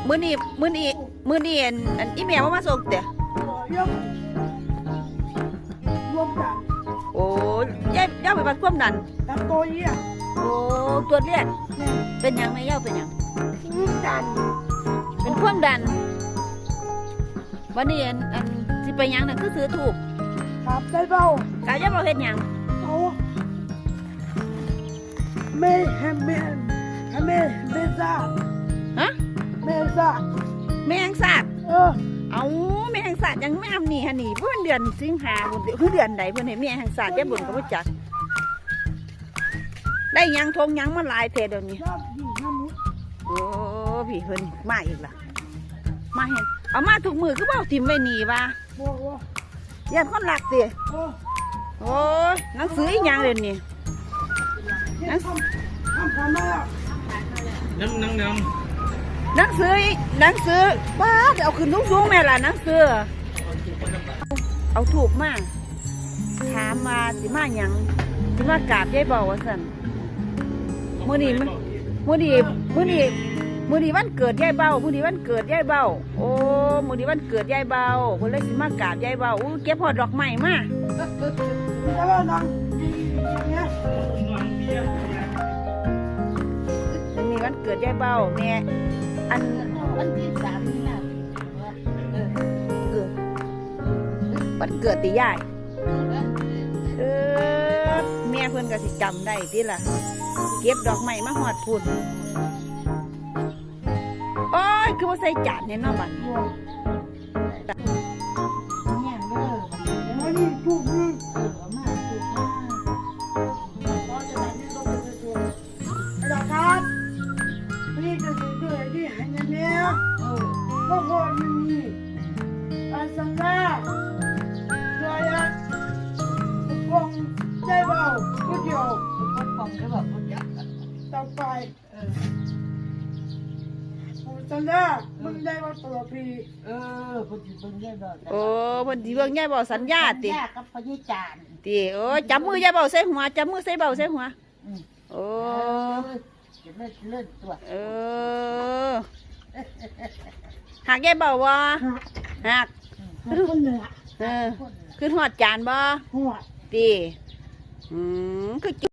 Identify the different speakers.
Speaker 1: มื้อนี้อันอีเมลมาส่งเด้อ
Speaker 2: เรื่องรวมกัน
Speaker 1: โอ้ย่าไปวัดความดัน
Speaker 2: กับตัวเยี่ย
Speaker 1: โอ้ตรวจเลือด
Speaker 2: เนี่ย
Speaker 1: เป็นหยังแม่ย่าเป็นหยัง
Speaker 2: กัน
Speaker 1: เป็นความดันวันนี้อันสิไปหยังน่ะคือซื้อถูก
Speaker 2: ครับได้เปล่าก
Speaker 1: ะย่าบ่เฮ็ดหยัง
Speaker 2: เอาไม่ให้ไม่ทราบ
Speaker 1: ฮะ
Speaker 2: ไม่ทราบ
Speaker 1: แม่งสาด เอาแม่แห่งศาสตร์ยังไม่ทำนี่ฮะนี่เพื่อนเดือนสิงหาคมคือเดือนไหนเพื่อนให้แม่แห่งศาสตร์แย่บุญก็บ่จักได้ยังทงยังมาหลายเทเดี๋ยวนี้
Speaker 2: ชอบดีนะมุด
Speaker 1: โอ้พี่เพิ่นมาอีกละมาเห็นเอามาถูกมือคือเปล่าทิมไว้นี่วะ
Speaker 2: บอกว่า
Speaker 1: ยันคนหลักติ
Speaker 2: โอ้
Speaker 1: โอ้ยหนังสืออีหยังเดี๋ยวนี้
Speaker 2: ทำมาแล้ว
Speaker 3: น้ำ
Speaker 1: หนังสือป้าเดี๋ยวเอาขึ้นสูงๆแม่ล่ะหนังสือเอาถูกมากถามมาสิมาหยังสิมากราบยายเบาว่าซั่นมื้อนี้วันเกิดยายเบามื้อนี้วันเกิดยายเบาโอ้มื้อนี้วันเกิดยายเบาเพิ่นเลยสิมากราบยายเบาอู้เก็บฮอดดอกไม้มา
Speaker 2: จะว่านังเนี่ย
Speaker 1: อันนี้วันเกิดยายเบาแม่อัน
Speaker 4: วันที่3นี่นะเออ
Speaker 1: วันเกิดติยายแม่เพิ่นก็สิจำได้ติล่ะเก็บดอกไม้มาฮอดพุ่นโอ้ยคือบ่ใส่จานเนี่ยเนาะบัด
Speaker 4: เนี่ยเด้อ
Speaker 2: วันนี้ถูกมือ
Speaker 4: มาถูกมาพอจะได้ไม่ลงไปตัว
Speaker 2: ไอ้ดอกครับวันนี้จะซื้อตัวที่ให้เงินเนี่ยก็พอมีอาสังกาตัวยักษ์กองใจเบาผู้เดียว
Speaker 4: ก็ฟังได้แบบว่าจัก
Speaker 2: ต่อไปผมสัญญามึงได้ว่าตัวพี่
Speaker 4: คนสิเบิ่งได้ดอก
Speaker 1: โอ้เพิ่นสิเบิ่งยายเบาสัญญาติ
Speaker 4: ยากับพญจาน
Speaker 1: ติโอ้ยจับมือยายเบาใส่หัวจับมือใส่เบาใส่หัวโอ้
Speaker 4: จะเลื่อนตัว
Speaker 1: เออหักยายเบาบ่หัก
Speaker 2: คนเหนือ
Speaker 1: เออคือหอดจานบ่
Speaker 2: หัว
Speaker 1: ตีคือ